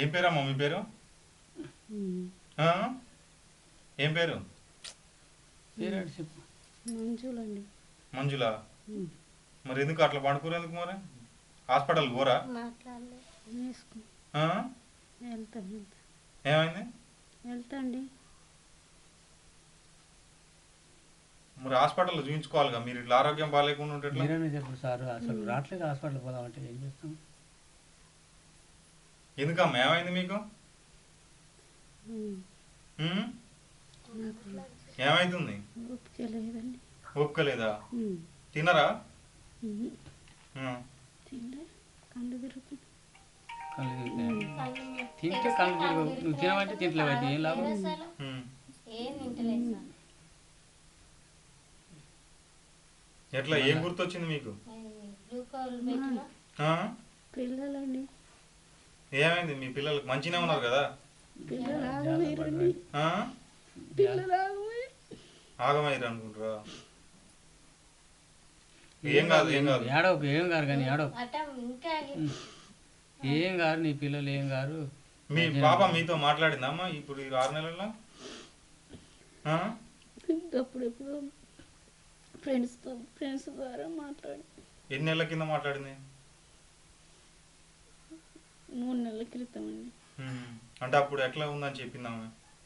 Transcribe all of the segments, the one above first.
ఏం పేరమ్మా మీ పేరు? ఆ? ఏం పేరు? చెప్పు. మంజులండి. మంజులా? మరి ఎందుకు అట్లా పండుకోరు ఎందుకు మరి? హాస్పిటల్ పోరా? ఆ? ఏమైంది? వెళ్తాండి. మరి హాస్పిటల్లో చూపించుకోవాలిగా. మీరు ఇట్లా ఆరోగ్యం బాగాలేకుండా ఉంటే ఎట్లా? మీరనే చెప్పు సార్, అసలు రావట్లేదు హాస్పిటల్ పోదామంటే ఏం చేస్తాం? ఎందుకమ్మా ఏమైంది మీకు? ఏమైతుంది? ఓపిక లేదా? తినరా? కళ్ళు తిరుగుతాయి. తింటే కళ్ళు తిరుగు. నువ్వు తినమంటే తింటలేవు అయితే ఏం లాభం? ఎట్లా ఏం గుర్తొచ్చింది మీకు? పిల్లలండి. ఏమైంది మీ పిల్లలకు? మంచిగా ఉన్నారు కదా? ఆగమైరు అనుకుంటారా? ఏం కాదు ఏం కాదు ఏడవకు, ఏం కాదు కానీ ఏడవకు. ఏం కాదు, నీ పిల్లలు ఏం కాదు. మీ పాప మీతో మాట్లాడిందమ్మా ఇప్పుడు ఈ 6 నెలల్లో? అప్పుడెప్పుడు ఫ్రెండ్స్ ద్వారా మాట్లాడి. ఎన్ని నెలల కింద మాట్లాడింది? 3 నెలల క్రితం అండి. అంటే అప్పుడు ఎట్లా ఉందని చెప్పిందామె?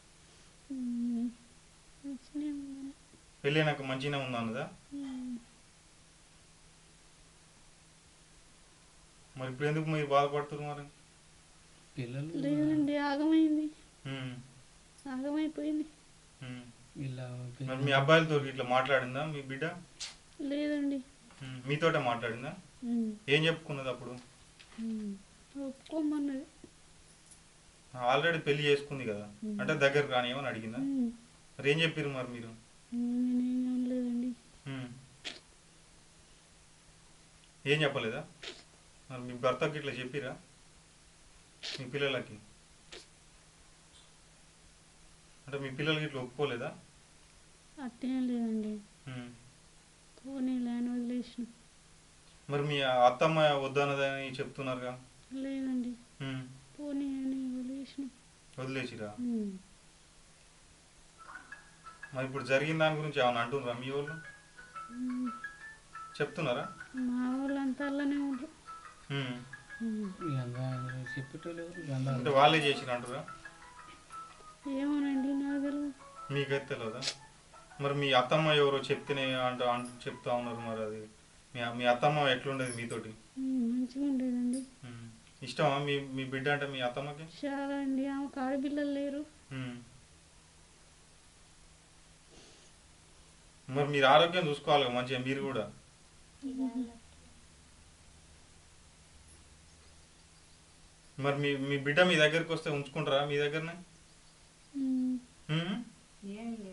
పెళ్ళి నాకు మంచిగానే ఉందా అన్నదా? మరి ఇప్పుడు ఎందుకు మీరు బాధపడుతున్నారు మరి? పిల్లలు లేదండి, ఆగమైంది. ఆగమైపోయింది. మరి మీ అబ్బాయిలతో ఇట్లా మాట్లాడిందా మీ బిడ్డ? లేదండి. మీతోటే మాట్లాడిందా? ఏం చెప్పుకున్నది అప్పుడు? ఒప్పుకోమన్నది. ఆల్రెడీ పెళ్లి చేసుకుంది కదా, అంటే దగ్గరకు రానియమని అడిగిందా? మరి ఏం చెప్పారు మరి మీరు? లేదండి. ఏం చెప్పలేదా? మరి మీ భర్తకి ఇట్లా చెప్పిరా మీ పిల్లలకి? అంటే మీ పిల్లలకి ఇట్లా ఒప్పుకోలేదా? అట్టేం లేదండి. పోనీ లేని వదిలేసిన. మరి మీ అత్తమ్మ వద్దన్నదని చెప్తున్నారుగా? లేదండి, పోనీ అని వదిలేసిరా? మరి ఇప్పుడు జరిగిన దాని గురించి ఏమన్నా అంటున్నారా మీ వాళ్ళు? చెప్తున్నారా? మా వాళ్ళంతా అలానే ఉంటారు. అంటే వాళ్ళే చేసిన అంటారా? ఏమోనండి, నాకు తెలియదు. మీకైతే తెలియదా? మరి మీ అత్తమ్మ ఎవరో చెప్తేనే చెప్తా ఉన్నారు. మరి అది మీ అత్తమ్మ ఎట్లుండేది మీతోటి? మంచిగా ఉండేదండి. ఇష్టమా మీ బిడ్డ అంటే మీ అత్తమ్మకి? చాలా అండి. ఆమెకు ఆడపిల్లలు లేరు. మరి మీరు ఆరోగ్యం చూసుకోవాలి మంచిగా మీరు కూడా. మరి మీ బిడ్డ మీ దగ్గరికి వస్తే ఉంచుకుంటారా మీ దగ్గరనే?